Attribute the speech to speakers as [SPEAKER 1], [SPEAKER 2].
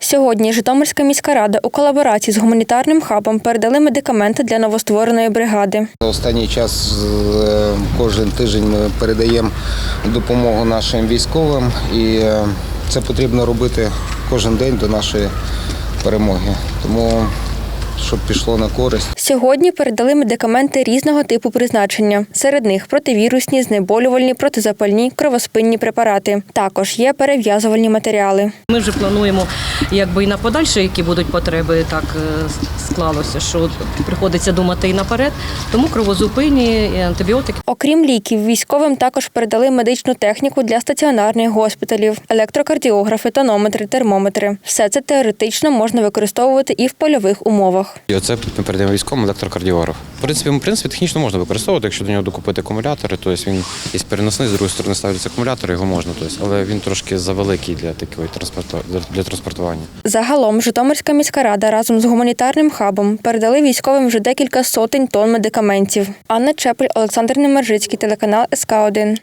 [SPEAKER 1] Сьогодні Житомирська міська рада у колаборації з гуманітарним хабом передали медикаменти для новоствореної бригади.
[SPEAKER 2] Останній час кожен тиждень ми передаємо допомогу нашим військовим, і це потрібно робити кожен день до нашої перемоги. Тому щоб пішло на користь.
[SPEAKER 1] Сьогодні передали медикаменти різного типу призначення. Серед них противірусні, знеболювальні, протизапальні, кровоспинні препарати. Також є перев'язувальні матеріали.
[SPEAKER 3] Ми вже плануємо і на подальше, які будуть потреби, так склалося, що приходиться думати і наперед. Тому кровозупинні, і антибіотики.
[SPEAKER 1] Окрім ліків, військовим також передали медичну техніку для стаціонарних госпіталів, електрокардіографи, тонометри, термометри. Все це теоретично можна використовувати і в польових умовах.
[SPEAKER 4] І оце ми передаємо військовому електрокардіограф. В принципі, технічно можна використовувати, якщо до нього докупити акумулятори, тобто він є переносний, з другої сторони ставляться акумулятори, його можна, але він трошки завеликий для транспортування.
[SPEAKER 1] Загалом Житомирська міська рада разом з гуманітарним хабом передали військовим вже декілька сотень тонн медикаментів. Анна Чепель, Олександр Немержицький, телеканал СК1.